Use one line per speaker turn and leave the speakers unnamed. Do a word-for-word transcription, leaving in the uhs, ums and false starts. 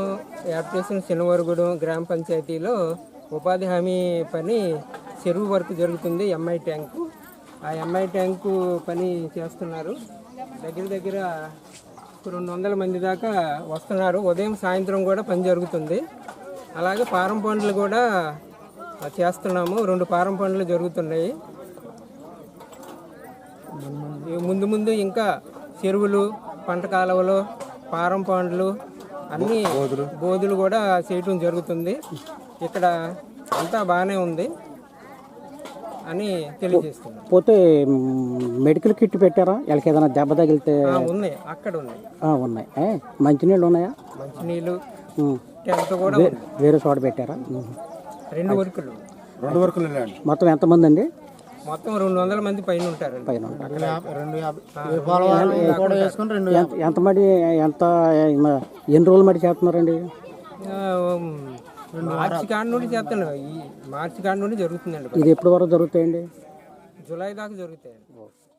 Add చేసిన శనివారగూడెం గ్రామ పంచాయతీలో ఉపాధి హామీ పని చెరువు వరకు జరుగుతుంది. ఎంఐ ట్యాంకు ఆ ఎంఐ ట్యాంకు పని చేస్తున్నారు. దగ్గర దగ్గర రెండు వందల మంది దాకా వస్తున్నారు. ఉదయం సాయంత్రం కూడా పని జరుగుతుంది. అలాగే పారం పనులు కూడా చేస్తున్నాము. రెండు పారం పనులు జరుగుతున్నాయి. ముందు ముందు ఇంకా చెరువులు, పంట కాలువలు, పారం పనులు అన్నీ బోధులు కూడా చేయటం జరుగుతుంది. ఇక్కడ అంతా బాగానే ఉంది అని తెలియజేస్తుంది.
పోతే మెడికల్ కిట్ పెట్టారా? వీళ్ళకి ఏదైనా దెబ్బ తగిలితే?
ఉన్నాయి, అక్కడ ఉన్నాయి
ఉన్నాయి. మంచినీళ్ళు ఉన్నాయా?
మంచినీళ్ళు టెంట్ కూడా
వేరే చోట పెట్టారా?
రెండు వర్కులు
రెండు వర్కులు
మొత్తం ఎంతమంది అండి?
మొత్తం రెండు వందల మంది పైన ఉంటారు.
పైన ఎంత మడి ఎంత ఎన్ని రోజులు మడి చేస్తున్నారండి?
మార్చి కాడ నుండి చేస్తాను. ఈ మార్చి కాడ నుండి జరుగుతుందండి.
ఇది ఎప్పటి వరకు జరుగుతాయండి?
జూలై దాకా జరుగుతాయండి.